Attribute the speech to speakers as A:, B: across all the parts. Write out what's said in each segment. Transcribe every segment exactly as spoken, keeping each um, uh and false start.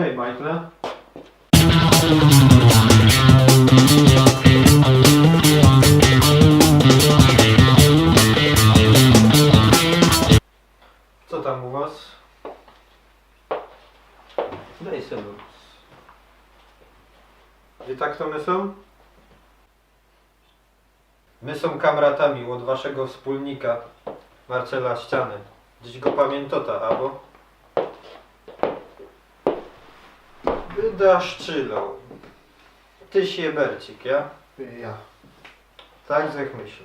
A: Hej, Michael. Co tam u was? Daj sobie. Gdzie tak to my są? My są kamratami od waszego wspólnika Marcela Ściany. Dziś go pamiętota, albo? Wydaszczylą. Tyś jebercik, ja?
B: Ja.
A: Tak zech myślał.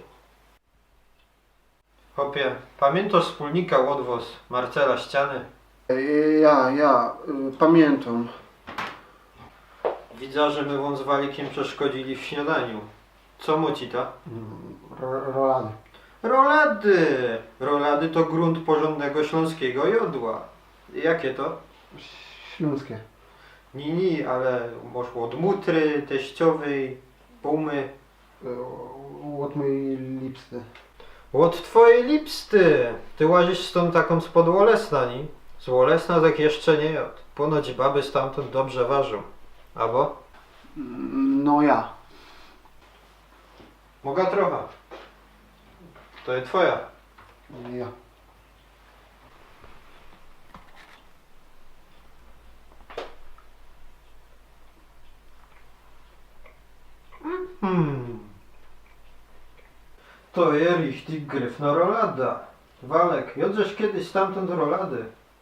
A: Chłopie, pamiętasz wspólnika odwoz Marcela Ściany?
B: Ja, ja, y, pamiętam.
A: Widzę, że my wam z Walikiem przeszkodzili w śniadaniu. Co mu ci ta?
B: Ro- Rolany.
A: Rolady! Rolady to grunt porządnego śląskiego jodła. Jakie to?
B: Śląskie.
A: Nie, nie, ale może od mutry, teściowej, pumy.
B: Y, Od mojej lipsty.
A: Od twojej lipsty! Ty łazisz stąd taką spod Łolesna, ni? Z Łolesna tak jeszcze nie jod. Ponoć baby stamtąd dobrze ważą. Albo?
B: No ja.
A: Mogę trochę. To jest twoja.
B: Ja.
A: Hmm. To jest richtig gryfna rolada. Walek, jodżeś kiedyś stamtąd rolady.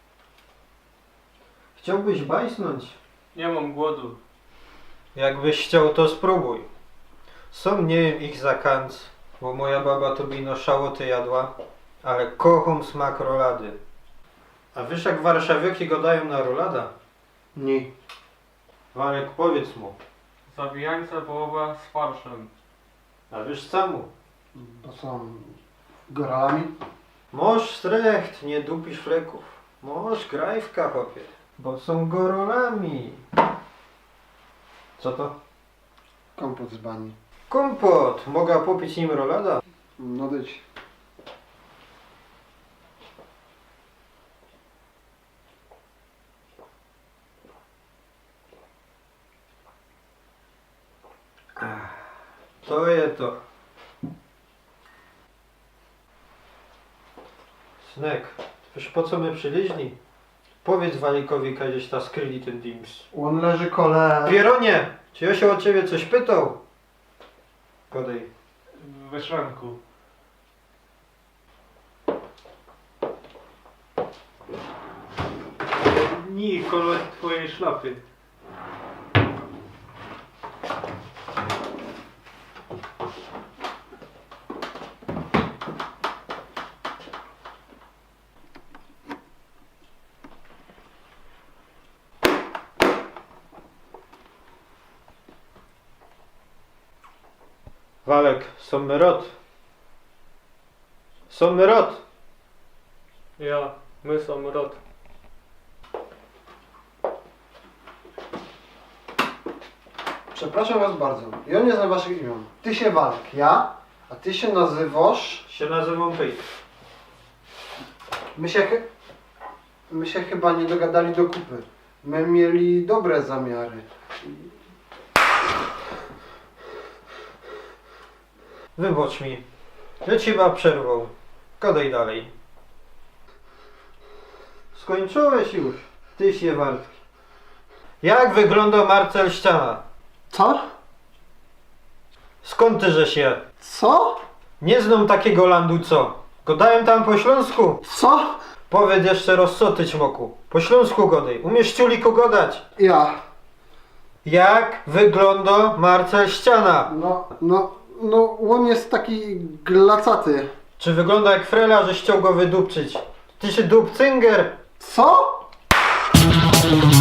A: Chciałbyś bajsnąć?
C: Nie mam głodu.
A: Jakbyś chciał, to spróbuj. Są nie wiem ich za kanc, bo moja baba to bino szałoty jadła, ale kocham smak rolady. A wiesz jak warszawiaki go dają na rolada?
B: Nie.
A: Walek, powiedz mu.
C: Zawijańca wołowa z farszem.
A: A wiesz czemu?
B: To są góralami.
A: Moż strecht, nie dupisz fleków. Moż grajwka, chłopie. Bo są gorolami. Co to?
B: Kompot z bani.
A: Kompot. Mogę popić nim rolada?
B: No dyć.
A: To je to. Snek, wiesz po co my przyleźli? Powiedz Walikowi, kiedyś ta skryli ten dims.
B: On leży kole.
A: Pieronie, czy ja się o ciebie coś pytał? Podej.
C: We szranku. Nie, kolor twojej szlafy.
A: Walek, są my rot. Są my rot.
C: Ja, my są rod.
B: Przepraszam was bardzo. Ja nie znam waszych imion. Ty się Walk, ja, a ty się nazywasz.
A: Się nazywam Pejk.
B: My się, chy- my się chyba nie dogadali do kupy. My mieli dobre zamiary.
A: Wybacz mi. Ja ci chyba przerwał. Gadaj dalej. Skończyłeś już. Ty się wartki. Jak wygląda Marcel Ściana?
B: Co?
A: Skąd ty że się?
B: Co?
A: Nie znam takiego landu co? Godałem tam po śląsku.
B: Co?
A: Powiedz jeszcze raz co ty ćmoku. Po śląsku godaj. Umiesz ciuliku godać.
B: Ja.
A: Jak wygląda Marcel Ściana?
B: No, no, no, on jest taki glacaty.
A: Czy wygląda jak frela, że chciał go wydupczyć? Ty się dupcynger.
B: Co?